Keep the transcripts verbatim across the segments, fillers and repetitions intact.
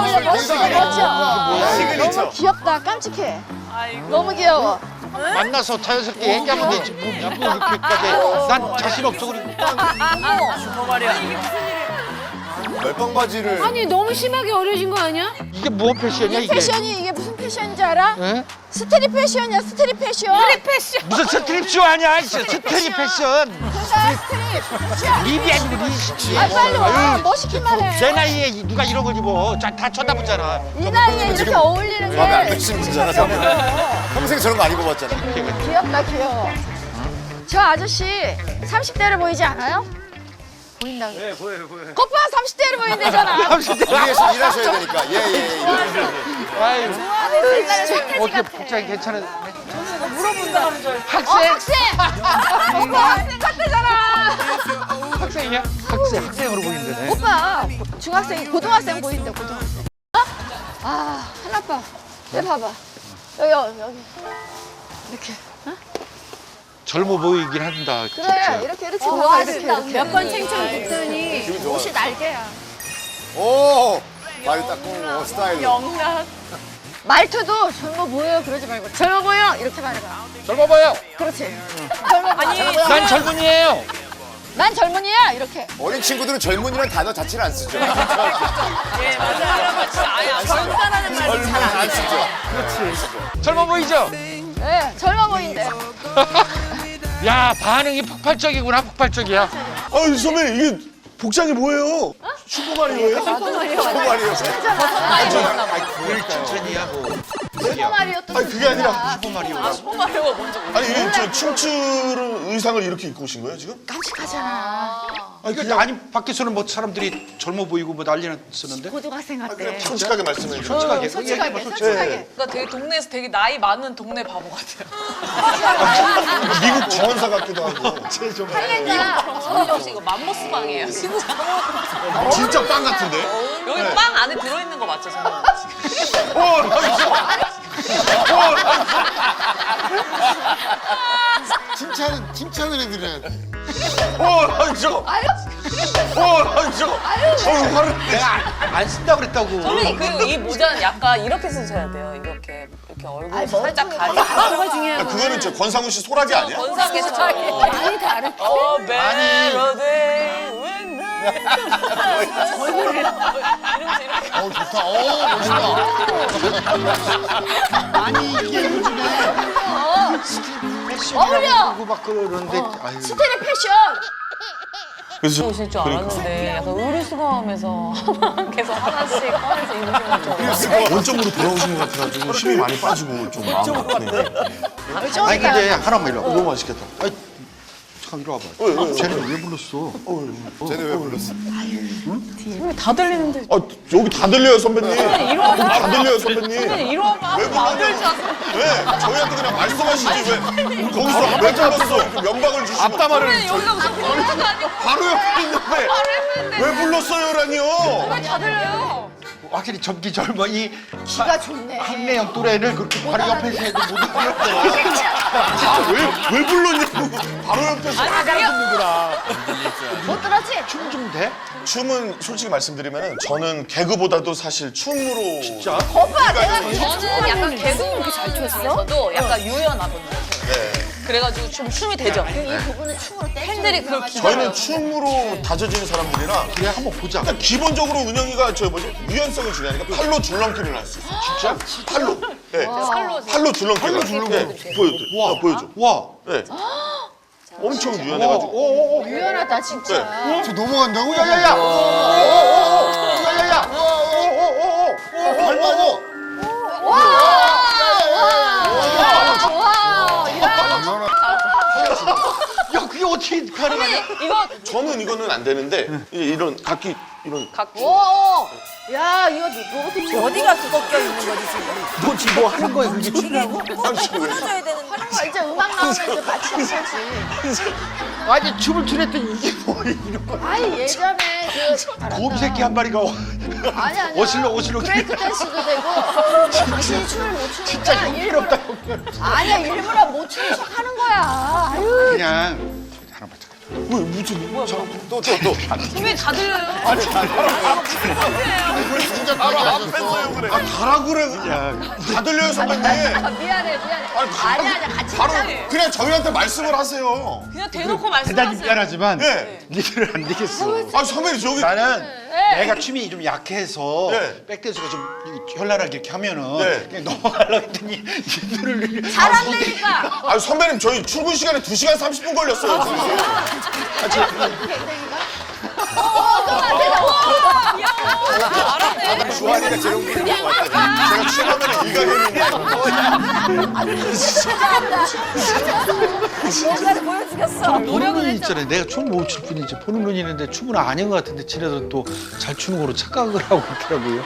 아니, 멋있어, 멋져. 시그니처. 너무 귀엽다, 깜찍해. 너무 귀여워. 만나서 자연스럽게 얘기하면 되지. 뭐, 뭐 이렇게까지. 난 자신 없어. 그리고. 멜빵 바지를. 아니 너무 심하게 어려진 거 아니야? 이게 뭐 패션이야 이 이게? 패션이 이게 무슨 패션인지 알아? 예? 스트릿 패션이야, 스트릿 패션. 스트릿 패션. 무슨 스트립쇼 아니야? 스트릿 패션. 그래, 스트릿 패션. 립이 아니고 립이지. 아, 빨리 와. 멋있기만 해. 내 나이에 누가 이런 걸 입어? 다, 다 쳐다보잖아. 이 나이에 이렇게 어울리는 마음에 안 게 드시는 분이잖아, 저는. 평생 저런 거 안 입어봤잖아. 귀엽다, 귀여워. 저 아저씨 삼십 대로 보이지 않아요? 보인다고. 네, 보여요, 보여요. 오빠 삼십 대로 보인대잖아. 일하셔, 일하셔야 되니까. 예, 예, 예. 아유, 옛날에 손태지 어떻게 같아. 복장이 괜찮은? 물어본다 하는 줄. 어, 학생? 학생! 오빠 학생 같대잖아. 학생이야? 학생, 학생으로 보이는데. 오빠 중학생, 고등학생 보인대, 고등학생. 어? 아, 하나빠. 내 봐봐. 여기, 여기, 여기. 이렇게. 어? 젊어 보이긴 한다. 그래, 진짜. 이렇게, 이렇게 봐봐, 이렇게, 이렇게. 몇 번 챙청 듣더니 기분 좋아. 옷이 날개야. 오! 말이 딱 꽁, 스타일로. 영락. 말투도 젊어 보여요, 그러지 말고. 젊어 보여! 이렇게 말해봐. 젊어 보여. 그렇지. 젊어 보여. 난 젊은이에요. 난 젊은이야! 이렇게. 어린 친구들은 젊은이란 단어 자체를 안 쓰죠. 예 맞아요. 아예 젊다라는 말도 젊은 잘안 안 쓰죠. 젊어 보이죠? 네, 젊어 보인대. 야, 반응이 폭발적이구나, 폭발적이야. 아유 선배님 이게 복장이 뭐예요? 슈퍼마리오예요? 슈퍼마리오. 천천히야, 뭐. 슈퍼마리오 또 아니 그게 아니라 슈퍼마리오. 슈퍼마리오가 먼저. 아니 이게 저 춤추는 의상을 이렇게 입고 오신 거예요 지금? 깜찍하잖아. 아니 이거 그냥 아니, 밖에서는 뭐 사람들이 젊어 보이고 뭐 난리는 쓰는데? 고등학생 같대. 솔직하게 말씀해 주세요. 솔직하게. 솔직하게, 솔직하게. 솔직하게. 그러니까 되게 동네에서 되게 나이 많은 동네 바보 같아요. 미국 정원사 같기도 하고 할렌가. 성훈이 혹시 이거 맘모스 빵이에요? 진짜. 진짜 빵 같은데? 여기 빵 안에 들어있는 거 맞죠, 성훈이? 어, 나 있어. 칭찬은, 칭찬을 해드려야 돼. 어, 나 저거. 아유, 어, 나 저거. 어, 화를. 내가 안, 안 쓴다고 그랬다고. 선배님 그리고 이 모자는 약간 이렇게 쓰셔야 돼요. 이렇게 이렇게 얼굴 아니, 살짝 머리통이 가리고. 뭐가 중요해요. 그거는 저 권상우 씨 소라기 아니야? 건상에서 많이 다르. 어 멜로디 when 얼굴을 이러면서 이렇게. 어, 좋다. 어, 멋있다. 아니, 이게 요즘에 어울려. 패션이라고 막 그러는데. 아유. 스트릿 패션. 그래서 오실 줄 알았는데 약간 의류수거하면서 계속 하나씩 꺼내서 입으시는 거. 원점으로 돌아오신 것 같아가지고 힘이 많이 빠지고 좀 마음 아프네. 아니, 근데 하나만 일로 와봐. 너무 맛있겠다. 아니, 잠깐 이리 와봐. 왜, 왜, 왜? 쟤는 왜 불렀어? 쟤네 왜 불렀어? 다 들리는데. 아, 여기 다 들려요 선배님. 이리 와봐. 다 들려요 선배님. 이리 와봐. 왜 안 들지 불러요? 왜? 저희한테 그냥 말씀하시지 왜? 거기서 왜 불렀어? 이렇게 면박을 주시고. 앞담화를. 여기가 무슨 불러가 아니고 바로 옆에 있는데 왜 불렀어요라니요? 다 들려요. 확실히 젊기 젊어. 이 기가 좋네. 한매형 또래를 그렇게 바로 옆에서 해도 못 알아들어. 아왜왜 불렀냐고. 바로 옆에서 막 알아듣는구나. 못 들었지? 춤 좀 돼? 춤은 솔직히 말씀드리면 저는 개그보다도 사실 춤으로 진짜 오빠 내가 저는 약간 개그우먼 중에서도 약간 유연하거든요. 네. 그래가지고 좀 춤이 되죠. 이 부분은 춤으로 떼. 팬들이 그걸 저희는 춤으로 다져지는 사람들이라 그래, 한번 보자. 일단 기본적으로 은영이가 저 뭐지 유연성이 중요하니까 팔로 줄넘기를 할 수 있어. 진짜? 팔로. 네. 팔로 팔로 줄넘기. 팔로 줄넘기. 네. 보여줘. 와, 와, 보여줘. 와. 네. 엄청 오, 유연해가지고. 오, 오, 오. 유연하다 진짜. 네. 저 넘어간다고? 야야야! 오오오오! 야야야! 오오오오! 발 빠져. 와, 야, 야, 그게 어떻게 가능하냐? 이거 저는 이거는 안 되는데 이- 이런 각기 이런 갖고 오, 야, 이거 로봇 춤. 어디가 그거 껴있는 거지 지금? 뭐지, 뭐 하는 거야, 그게 춤이라고? 방식을 왜? 해줘야 되는 거. 아, 이제 음악 나오면 이제 같이 해야지. 아니, 춤을 추랬더니 이게 뭐 이런 거. 아니 예전에 그 곰새끼 한 마리가 아니 아니 어슬렁 어슬렁 브레이크 댄스도 되고 당신이 춤을 못 추니까 진짜 일부러 아니야 일부러 못 추는 척 하는 거야. 아유 그냥 하나만 잠깐. 왜 무슨 뭐야? 또, 또, 또. 선배님 다 들려요. 우리 진짜 바로 앞에서요 그래. 아 가라 그래. 다 들려요 선배님. 아, 미안해 미안해. 아니, 아니 아니 같이 바로 하자. 그냥 저희한테 말씀을 하세요. 그냥 대놓고 대단히 말씀하세요. 미안하지만 예. 니들은 안 되겠어. 아 선배님 저기 나는 내가 춤이 좀 약해서 네. 백댄스가 좀 현란하게 이렇게 하면은 네. 그냥 넘어가려고 했더니 니들을 잘한다니까. 아 선배님 저희 출근 시간에 두 시간 삼십 분 걸렸어요. 주환이가 제일 웃기는 것 같아. 제가 취하면 일가견인데. 뭔가를 보여주겠어. 노력은 보는 눈이 했잖아. 있잖아요. 내가 춤을 못 출 뿐이지 보는 눈이 있는데 춤은 아닌 것 같은데 지네들은 또 잘 추는 거로 착각을 하고 있더라고요.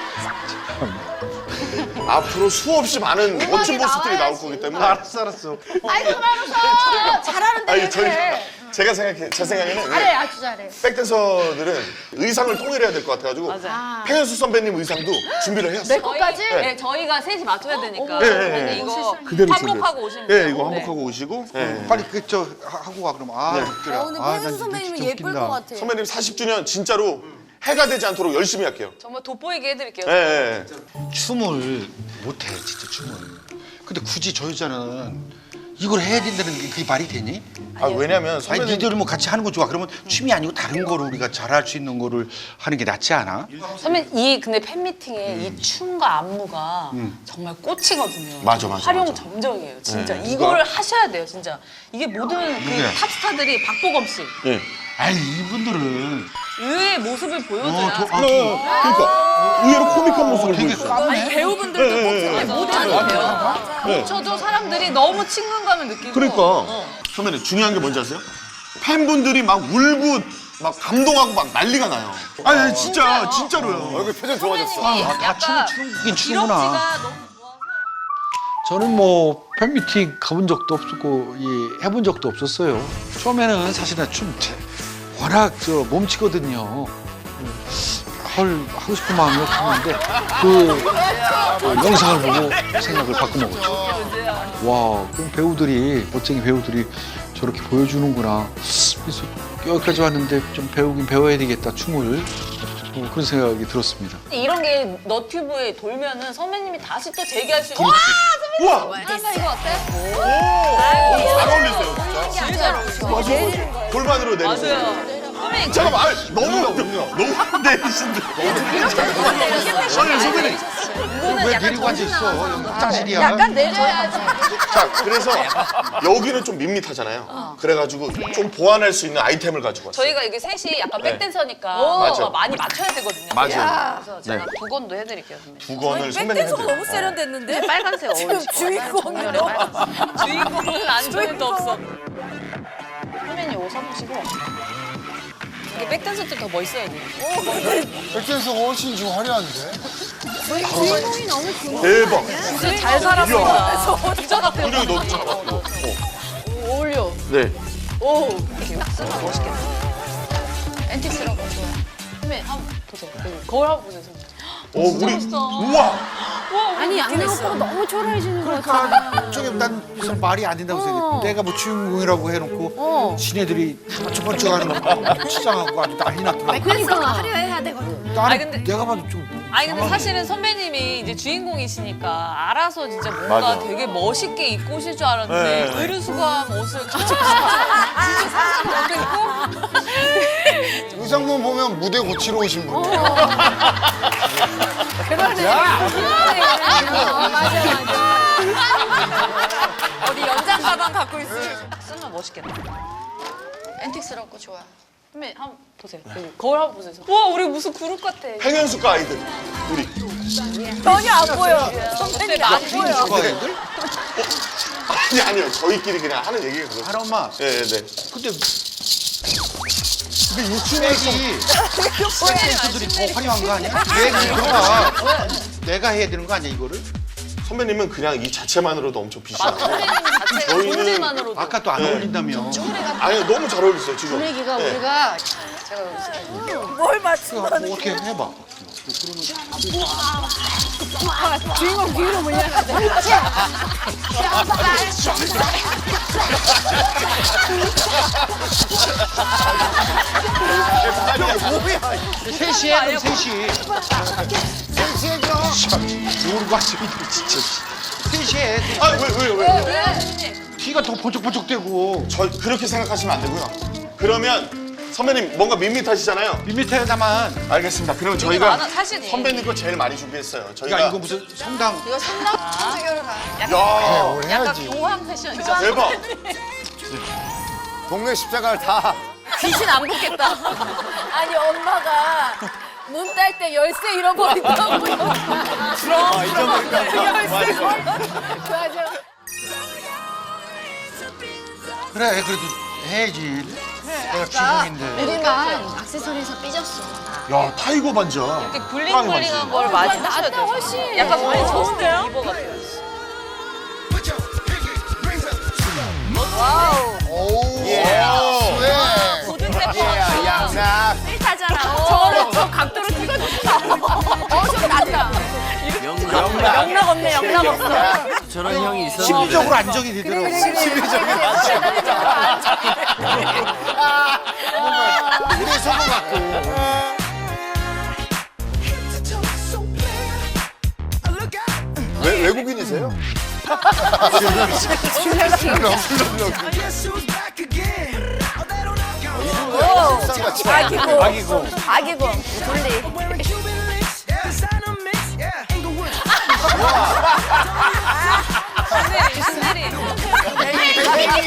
참. 앞으로 수없이 많은 멋진 모습들이 나올 거기 때문에. 알았어 알았어. 아이고 말아서 잘하는데 아니 왜 저희 그래? 제가 생각해 제 생각에는 잘해 아주 잘해. 백댄서들은 의상을 통일해야 될 것 같아가지고 맞아요. 팽현수 선배님 의상도 준비를 내 해왔어요. 것까지? 네, 저희가 셋이 맞춰야 되니까. 네, 네, 선배님 네. 이거 그대로 한복하고 오시면 예, 돼요. 이거 네. 한복하고 오시고. 예. 빨리 그 저 하고 와 그럼. 아 네. 웃겨라. 어, 근데 아, 난 팽현수 진짜 선배님은 진짜 예쁠 웃긴다. 것 같아. 선배님 사십 주년 진짜로 해가 되지 않도록 열심히 할게요. 정말 돋보이게 해드릴게요. 예, 예. 춤을 못해 진짜 춤을. 근데 굳이 저 여자는 이걸 해야 된다는 게 그게 말이 되니? 아 왜냐면 아니 선배님 니들은 뭐 같이 하는 거 좋아. 그러면 춤이 아니고 다른 거를 우리가 잘할 수 있는 거를 하는 게 낫지 않아? 선배님 이 근데 팬미팅에 이 춤과 안무가 정말 꽂히거든요. 맞아, 맞아, 활용 맞아. 점정이에요, 진짜. 네, 이걸 누가? 하셔야 돼요, 진짜. 이게 모든 그 누구야? 탑스타들이 박보검 씨 예. 아니 이분들은 의외의 모습을 어, 보여줘야. 저, 아, 그러니까 의외로 코믹한 모습을 되게 보여줬어요. 까매. 배우분들도 네, 모델이 돼요. 저도 사람들이 너무 친근감을 느끼고. 그러니까 어. 선배님 중요한 게 뭔지 아세요? 팬분들이 막 울고 막 감동하고 막 난리가 나요. 아니, 아니 진짜 진짜로요. 얼굴 표정 좋아졌어. 아, 다 춤을 추긴 추는구나. 기럭지가 너무 좋아서. 저는 뭐 팬미팅 가본 적도 없었고 이 해본 적도 없었어요. 처음에는 사실은 춤 제- 워낙 저 몸치거든요. 헐 하고 싶은 마음이 없었는데 그 어, 영상을 보고 생각을 바꿔먹었죠. 와, 그럼 배우들이 멋쟁이 배우들이 저렇게 보여주는구나. 그래서 여기까지 왔는데 좀 배우긴 배워야 되겠다 춤을. 어, 그런 생각이 들었습니다. 이런 게 너튜브에 돌면은 선배님이 다시 또 재기할 수 있는. 우와! 한나 이거 어때? 오! 잘 어울리세요 진짜. 제일 잘 어울리죠. 맞아. 골반으로 내리세요. 맞아요. 선배님 잠깐만, 아니, 너무 너무 내리신데. 아니 선배님. 이거는 왜 약간 내리고 앉아 있어? 화장실이야. 약간 내려야지. 자, 그래서 여기는 좀 밋밋하잖아요. 그래가지고 좀 보완할 수 있는 아이템을 가지고 왔어요. 저희가 이게 셋이 약간 네. 백댄서니까 맞아. 많이 맞춰야 되거든요. 맞아요. 그래서 제가 네. 두 건도 해드릴게요, 선배님. 두 건을 선배님 백댄서가 해드려요. 너무 세련됐는데? 빨간색 어울리죠. 주인공이요? 주인공은 안 좋은 도 없어. 선배님 옷 사보시고 이게 백댄서 때 더 멋있어야 돼요. 백댄서가 훨씬 지금 화려한데? 주인공이 너무 궁금해. 대박. 진짜 잘 살았습니다. 진짜 같아요. 분명히 너무 잘 맞고. 어울려. 네. 오. 이렇게 딱 쓰면 멋있겠다. 앤틱스라고 좋아. 선배님 한번 보세요. 여기 거울 한번 보세요, 선배님. 어, 진짜 우리 멋있다. 우와. 아니, 양현 오빠가 너무 초라해지는 것 같아. 저게 난 무슨 말이 안 된다고 생각해. 내가 뭐 주인공이라고 해놓고 어. 지네들이 번쩍번쩍하는 거 치장하고 아주 난리 났더라고. 그러니까 화려해야 되거든. 나는 아니, 근데- 내가 봐도 좀 아니 근데 사실은 선배님이 이제 주인공이시니까 알아서 진짜 뭔가 맞아. 되게 멋있게 입고 오실 줄 알았는데 네. 의류수감 옷을 가지고 진짜 상상 못했고 의상만 보면 무대 고치러 오신 어. 분이에요. 어디 연장 가방 갖고 있어. 딱 쓰면 멋있겠다. 앤틱스라고 좋아. 선배님 한번 보세요. 여기 거울 한번 보세요. 와 우리 무슨 그룹 같아. 팽현숙과 아이들. 우리. 전혀 안 보여. 선배님 안 보여. 좋아 애들? 아니 아니요. 저희끼리 그냥 하는 얘기가 그거죠. 하나 엄마. 네, 네. 근데 근데 요즘에기 댄서들이 더 화려한 거 아니야? 내가 이거가 내가 해야 되는 거 아니야 이거를? 선배님은 그냥 이 자체만으로도 엄청 비싸고. 선배님 자체가 저희는 존재만으로도. 아까 또 안 네. 어울린다며. 아니 너무 잘 어울리세요 지금. 분위기가 네. 우리가 뭘 맞추는 뭐 어떻게 해봐. 주인공 뒤로 물려야 돼. 셋이 해, 그럼 셋이. 모르고 하시면 진짜. 셋이 해. 아, 왜, 왜, 왜? 뒤가 더 번쩍번쩍대고. 저 그렇게 생각하시면 안 되고요. 그러면 선배님 뭔가 밋밋하시잖아요. 밋밋해다만. 알겠습니다. 그럼 저희가 많아, 사실이. 선배님 거 제일 많이 준비했어요. 저희가 야, 이거 무슨 성당. 이거 성남 청소교를 가. 야, 약간 공황 패션이죠. 대박. 동네 십자가를 다. 귀신 안 붙겠다. 아니 엄마가 문 딸 때 열쇠 잃어버린다고요. 아, 잊어버릴까? 열쇠. 맞아. 그래, 그래도 해야지. 내가 주인공인데. 우리만 액세서리에서 삐졌어. 야, 타이거 반지야. 이렇게 블링블링한 걸 많이 하셔야 낫다 돼요. 훨씬. 약간 많이 어, 좋은데요? 이거 같아요. 오. 예. 스웩. 고든 스텝 예, 양락. 타잖아. 저를 저 각도로 찍어줬다. 어, 좀 낫다. 영락 없네, 영락 없어. 저런 형이 있었는데 심리적으로 안정이 되더라고. 그래서 것 같고. 외, 외국인이세요? 아기고, 아기고. 아기고, 둘리. 신내리, 신내리.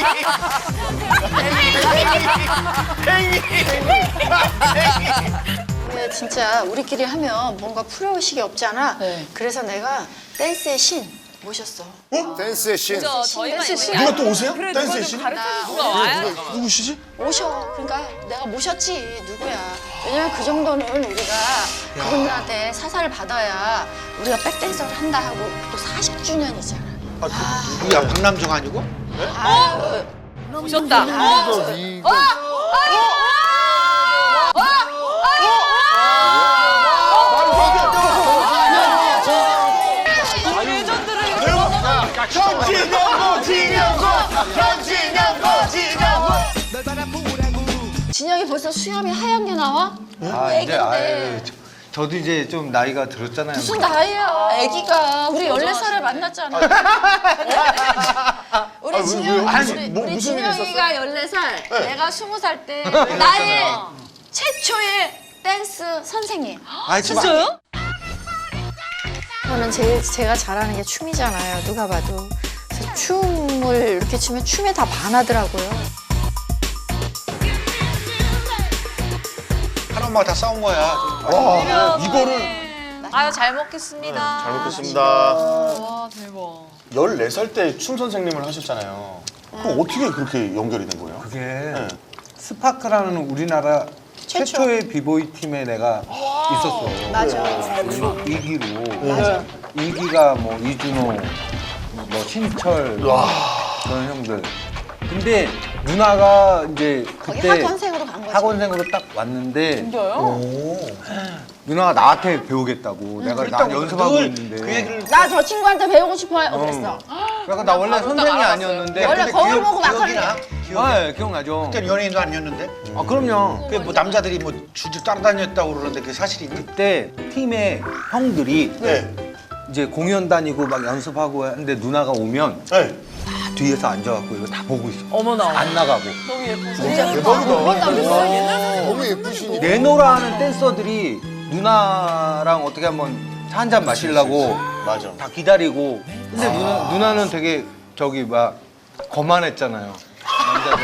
근데 진짜 우리끼리 하면 뭔가 프로의식이 없잖아. 그래서 내가 댄스의 신 모셨어. 댄스의 신. 저 저희만 댄스 있는 신. 게 누가 또 오세요? 댄스의 신? 누가 와요? 누구시지? 오셔. 그러니까 내가 모셨지. 누구야. 왜냐면 그 정도는 우리가 그분들한테 사사를 받아야 우리가 백댄서를 한다 하고 또 사십 주년이잖아. 누구야, 박남정 아니고? 아유. 오셨다. 이거, 이거. 현진영고, 진영고, 현진영고, 진영고. 진영이 벌써 수염이 하얀 게 나와? 아 이제 아유 저- 저도 이제 좀 나이가 들었잖아요. 무슨 나이야? 애기가 우리 열네 살에 만났잖아. 우리 아, 왜, 진영, 왜요? 아니, 우리, 뭐, 우리 무슨 일이 진영이가 열네 살, 내가 스무 살 때 나의 최초의 댄스 선생님. 아, 지금 진짜요? 저는 제일 제가 잘하는 게 춤이잖아요. 누가 봐도. 그래서 춤을 이렇게 추면 춤에 다 반하더라고요. 한 엄마가 다 싸운 거야. 와, 이거를. 아유, 잘 먹겠습니다. 잘 먹겠습니다. 와, 대박. 열네 살 때 춤 선생님을 하셨잖아요. 그럼 어떻게 그렇게 연결이 된 거예요? 그게 네. 스파크라는 우리나라 최초의 비보이 팀에 내가 있었어. 맞아. 이 기로. 이 기가 뭐 이준호, 뭐 신철 그런 형들. 근데 누나가 이제 거기 그때 학원생으로 간 거지. 학원생으로 딱 왔는데 진짜요? 누나가 나한테 배우겠다고. 내가 나 연습하고 늘 있는데. 그 얘기를 나 저 친구한테 배우고 싶어요. 어, 그랬어. 그러니까 나 원래 선생이 아니었는데. 원래 근데 거울 기억- 보고 막걸리. 기억이나? 기억이. 아, 예, 기억나죠. 그때 연예인도 아니었는데. 아, 그럼요. 그 뭐 남자들이 뭐 줄줄 따라다녔다고 그러는데 그게 사실이니? 그때 팀의 형들이 네. 이제 공연 다니고 막 연습하고 하는데 누나가 오면 네. 다 뒤에서 앉아갖고 이거 다 보고 있어. 어머나. 안 나가고. 너무 예뻐서. 대박이다. 너무 예쁘시니까. 내노라 하는 댄서들이 누나랑 어떻게 한번 한 잔 마시려고 맞아. 다 기다리고. 근데 누나, 누나는 되게 저기 막 거만했잖아요. 남자들.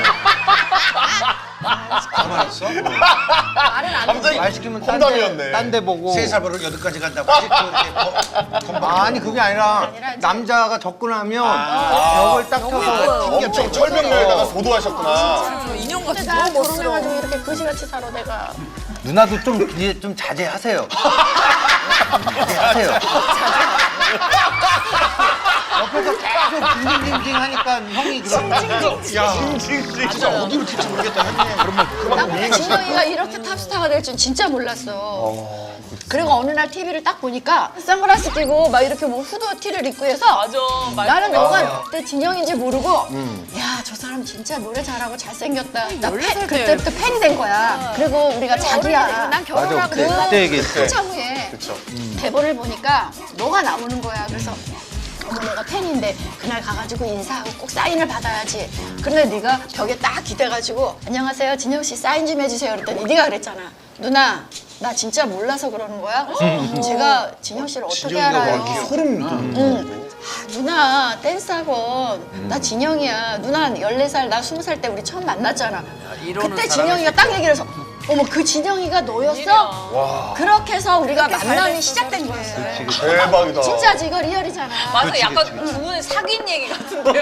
가만했어? 갑자기 말 시키면 딴 데, 험담이었네. 딴 데 보고. 세 살부터 여덟까지 간다고 하지? 또 이렇게 거- 건방. 아니 그게 아니라 남자가 접근하면 벽을 딱 쳐서 엄청 철벽면에다가 도도하셨구나. 인형 같은 나 결혼해가지고 이렇게 거지같이 살아 내가. 누나도 좀 이제 좀 자제하세요. 자제하세요. 옆에서 계속 징징징징 하니까 형이 그런 진짜 어디로 튈지 모르겠다 형님. 그러면 나 근데 진영이가 이렇게 탑스타가 될 줄 진짜 몰랐어. 그리고 어느 날 티비를 딱 보니까 선글라스 끼고 막 이렇게 뭐 후드 티를 입고 해서 맞아. 나는 너가 그때 진영인지 모르고 야, 저 사람 진짜 노래 잘하고 잘생겼다. 나 팬, 그때부터 팬이 된 거야. 그리고 우리가 자기야. 난 결혼하고 맞아, 그때, 그때 얘기했어. 한참 후에 대본을 보니까 너가 나오는 거야. 그래서 어머, 내가 팬인데 그날 가가지고 인사하고 꼭 사인을 받아야지. 그런데 네가 벽에 딱 기대가지고 안녕하세요, 진영 씨 사인 좀 해주세요. 그랬더니 네가 그랬잖아. 누나, 나 진짜 몰라서 그러는 거야? 제가 진영 씨를 어떻게 알아요? 소름 돋는 응. 아, 누나 댄스 학원 나 진영이야. 누나 열네 살 나 스무 살 때 우리 처음 만났잖아. 그때 진영이가 딱 얘기를 해서 어머, 그 진영이가 너였어? 그렇게 해서 우리가 만남이 시작된 거예요. 대박이다. 진짜지, 이거 리얼이잖아. 맞아. 약간 두 분의 사귄 얘기 같은데요.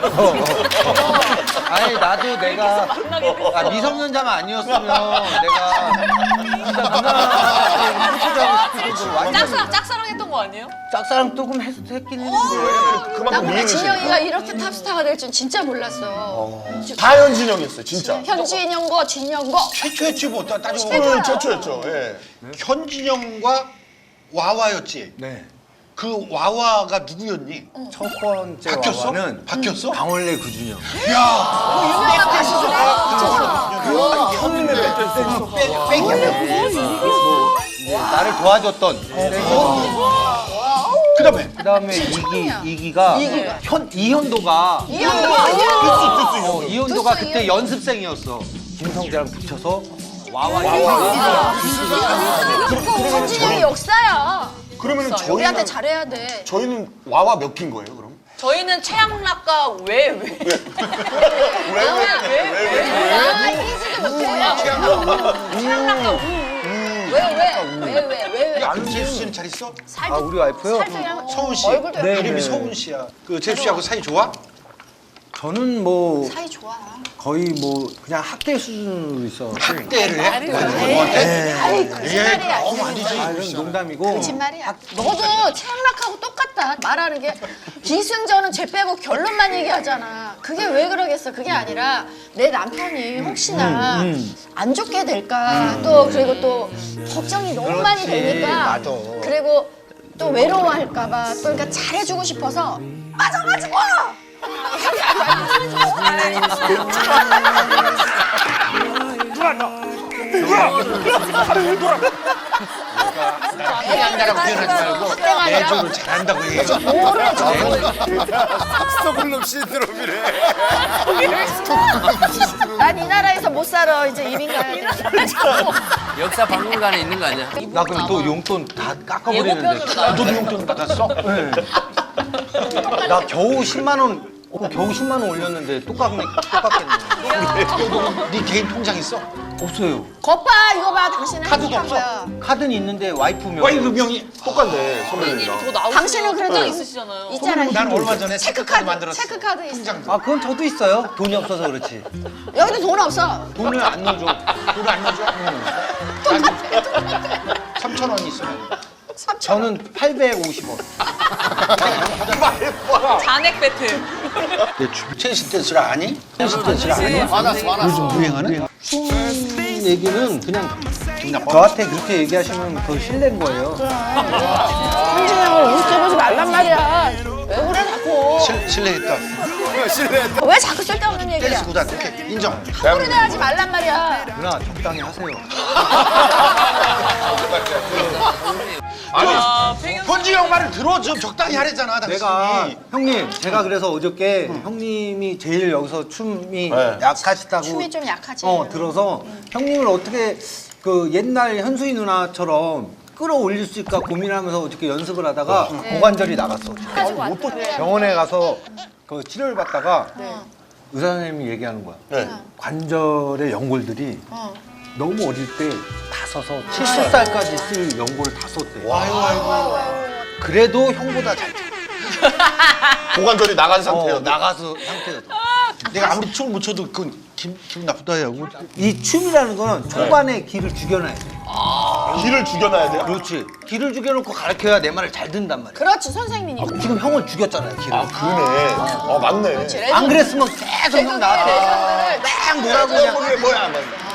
아니 나도 내가 아, 미성년자만 아니었으면 내가 진짜 누나한테 프로포즈하고 싶을 정도로 완전 짝사랑, 짝사랑했던 거 아니에요? 짝사랑 조금 했, 했긴 했는데 나 그만큼 근데 미인이시네. 진영이가 이렇게 탑스타가 될 줄 진짜 몰랐어. 다 현진영이었어요, 진짜. 현진영거, 진영거. 최초였지 뭐 따- 따지고 최고야. 보면 최초였죠. 예. 현진영과 와와였지. 네. 그 와와가 누구였니? 첫 번째 바뀌었어? 와와는 바뀌었어? 방울레 구준영. 유명한 가수들이. 형님의 밴드 이제 나를 도와줬던 그다음에 그다음에 이기 이기가 현 이현도가 이현도. 어, 이현도가 두수 그때 이현도. 연습생이었어. 김성재랑 붙여서 와와 이기가 현진영이 역사야. 그러면 우리한테 저희는 잘해야 돼. 저희는 와와 몇 ኪ인 거예요, 그럼? 저희는 최양락과 왜, 왜? 아, 이기지도 못해. 최양락과 우. 왜, 왜, 왜, 왜, 왜, 왜. 야, 그 재수 씨는 잘 있어? 아 우리 와이프요? 살짝 서운 씨. 얼굴도 네, 이름이 네. 서운 씨야. 그 재수 씨하고 사이 좋아? 저는 뭐 사이 좋아. 거의 뭐 그냥 학대 수준으로 있어. 학대를 해? 네. 아이, 거짓말이야. 너무 안 되지. 아 이건 농담이고. 거짓말이야. 너도 최양락하고 똑같다. 말하는 게 기승전은 죄 빼고 결론만 얘기하잖아. 그게 왜 그러겠어? 그게 아니라 내 남편이 혹시나 안 좋게 될까 또 그리고 또 걱정이 너무 많이 되니까 맞아. 그리고 또 외로워할까 봐 또 그러니까 잘해주고 싶어서 맞아가지고 한다라고 표현하지 말고 내 쪽으로 잘한다고 얘기해. 뭐를 줘. 스톡홀름 신드롬이래. 난 이 나라에서 못 살아. 이제 이민 가야 돼. 역사 박물관에 있는 거 아니야? 나 그럼 또 용돈 다 깎아버리는데. 예고편으로 나. 너도 용돈 받았어? 나 겨우 십만 원, 어, 겨우 십만 원 올렸는데 똑같네, 똑같겠네. 네 개인 통장 있어? 없어요. 겉봐 이거 봐. 당신은 카드도 행복한 없어? 거야. 카드는 있는데 와이프 명. 와이프 명이 똑같네, 선배님이랑. 더 나오시면 당신은 그래도 통장 있으시잖아요. 있잖아. 난 얼마 전에 체크카드 체크카드 만들었어. 체크카드 있어. 통장. 아, 그건 저도 있어요. 돈이 없어서 그렇지. 여기도 돈 없어. 돈을 안 넣어줘. 돈을 안 넣어줘? 삼천 원 있으면. 저는 팔백오십 원. 잔액 배틀. 내 최신 댄스를 아니? 최신 댄스를 아니? 많았어, 많았어. 요즘 유행하는? 춤 얘기는 그냥 저한테 그렇게 얘기하시면 그거 실례인 거예요. 현진영을 우습게 말란 말이야. 왜 그래 자꾸. 실, 실례했다. 실례. 왜 자꾸 쓸데없는 얘기야. 댄스 구단 오케이 인정. 함부로 대하지 말란 말이야. 누나 적당히 하세요. 아, 배경. 현지 형 말을 들어 좀 적당히 하랬잖아 당신이. 내가 형님 제가 그래서 어저께 형님이 제일 여기서 춤이 네. 약하시다고 춤이 좀 약하지. 어 들어서 형님을 어떻게 그 옛날 현수이 누나처럼 끌어올릴 수 있을까 고민하면서 어저께 연습을 하다가 고관절이 나갔어. 병원에 가서 그 치료를 받다가 의사 선생님이 얘기하는 거야. 네. 관절의 연골들이 어. 너무 어릴 때 다 서서 칠십 살까지 쓸 연골을 다 썼대. 아이고 아이고. 그래도 형보다 잘 쳐. 고관절이 나간 어, 상태였는데. 나가서 상태였어. 내가 아무리 춤을 못 춰도 그건 기분, 기분 나쁘다 야. 이 춤이라는 거는 초반에 기를 죽여놔야 돼. 기를 죽여놔야 돼요? 그렇지. 기를 죽여놓고 가르쳐야 내 말을 잘 듣는단 말이야. 그렇지 선생님이. 지금 형을 죽였잖아요, 기를. 아 그러네. 아 맞네. 그렇지, 레전드. 안 그랬으면 계속 형 나한테 레전드를 막 뭐라고 그냥. 뭐야 뭐야.